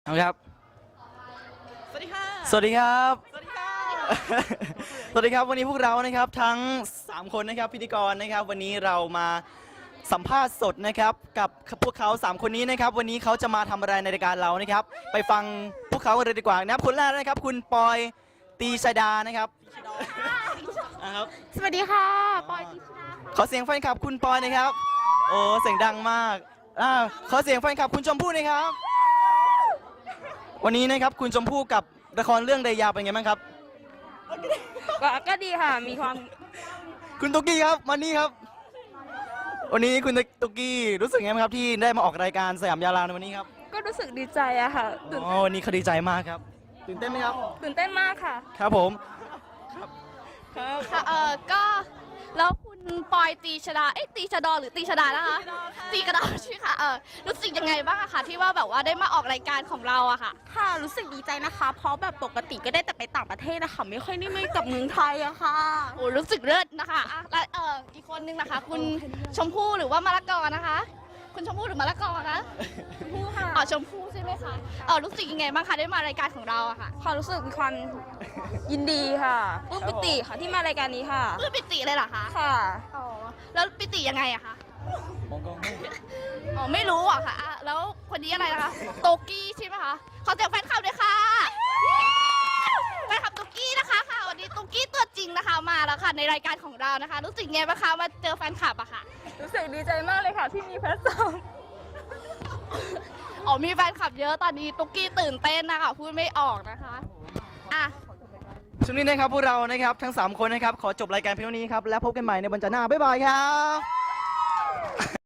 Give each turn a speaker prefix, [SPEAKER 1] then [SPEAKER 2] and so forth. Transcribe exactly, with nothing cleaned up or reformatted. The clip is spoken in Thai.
[SPEAKER 1] ครับ
[SPEAKER 2] สวัสดีค่ะ
[SPEAKER 1] สวัสดีครับ
[SPEAKER 2] สวัสดีค่ะ
[SPEAKER 1] สวัสดีครับวันนี้พวกเรานะครับทั้งสามคนนะครับพิธีกรนะครับวันนี้เรามาสัมภาษณ์สดนะครับกับพวกเขาสามคนนี้นะครับวันนี้เขาจะมาทำอะไรในรายการเรานะครับไปฟังพวกเขากันเลยดีกว่านะครับคนแรกนะครับคุณปอยตีชดานะครับนะครับ
[SPEAKER 2] สวัสดีค่ะปอยติชนา
[SPEAKER 1] ขอเสียงแฟนคลับคุณปอยนะครับโอ้เสียงดังมากอ่าขอเสียงแฟนคลับคุณชมพู่หนะครับ วันนี้นะครับคุณชมพู่กับละครเรื่องเรยาเป็นไงบ้างครับ
[SPEAKER 2] ก็ก็ดีค่ะ มีความ
[SPEAKER 1] คุณตุ๊กกี้ครับวันนี้ครับ วันนี้คุณตุ๊กกี้รู้สึกไงบ้างครับที่ได้มาออกรายการสยามดาราในวันนี้ครับ
[SPEAKER 2] ก็รู้สึกดีใจอะค่ะตื่น
[SPEAKER 1] อ๋อวันนี้เขาดีใจมากครับตื่นเต้นไหมครับ
[SPEAKER 2] ตื่นเต้นมากค่ะ
[SPEAKER 1] ครับผม
[SPEAKER 3] ค่ะเออก็แล้วคุณปอยตีชดาเอ๊ะตีชดอหรือตีชดานะคะตีกระดาใช่ค่ะเออรู้สึกยังไงบ้างอะคะที่ว่าแบบว่าได้มาออกรายการของเราอะค่ะ
[SPEAKER 2] ค่ะรู้สึกดีใจนะคะ เพราะแบบปกติก็ได้แต่ไปต่างประเทศนะคะไม่ค่อยได้ไม่กับเมืองไทยอะค่ะ
[SPEAKER 3] โอ้รู้สึกเลิศนะคะอ่ะและเอออีกคนนึงนะคะ คุณชมพู่หรือว่ามะละกอนะคะ คุณชมพู่หรือมะละกอคะ
[SPEAKER 2] ชมพู่ค่ะ
[SPEAKER 3] อ๋อชมพู่ใช่ไหมคะเออรู้สึกยังไงบ้างคะได้มารายการของเราอะค่ะ
[SPEAKER 2] ความรู้สึกมีความยินดีค่ะปลื้มปิติค่ะที่มารายการนี้ค่ะ
[SPEAKER 3] ปลื้มปิติเลยเหรอคะ
[SPEAKER 2] ค่ะ
[SPEAKER 3] อ๋อแล้วปิติยังไงอะคะ
[SPEAKER 1] มองกล้องไม่
[SPEAKER 3] อ๋อไม่รู้อะค่ะอ่ะแล้วคนนี้อะไรนะคะโตกี้ใช่ไหมคะขอเสียงแฟนคลับด้วยค่ะแฟนคลับโตกี้นะคะค่ะวันนี้โตกี้ตัวจริงนะคะมาแล้วค่ะในรายการของเรานะคะ รู้สึกไงบ้างคะมาเจอแฟนคลับอะค่ะ
[SPEAKER 2] รู้สึกดีใจมากเลยค่ะที่มีแพลตฟอร์ม
[SPEAKER 3] อ๋อมีแฟนคลับเยอะตอนนี้โตกี้ตื่นเต้นนะคะพูดไม่ออกนะคะอ่ะ
[SPEAKER 1] ช่วงนี้นะครับพวกเรานะครับทั้งสามคนนะครับขอจบรายการเพียงเท่านี้ครับแล้วพบกันใหม่ในวันจันทร์หน้าบ๊ายบายครับ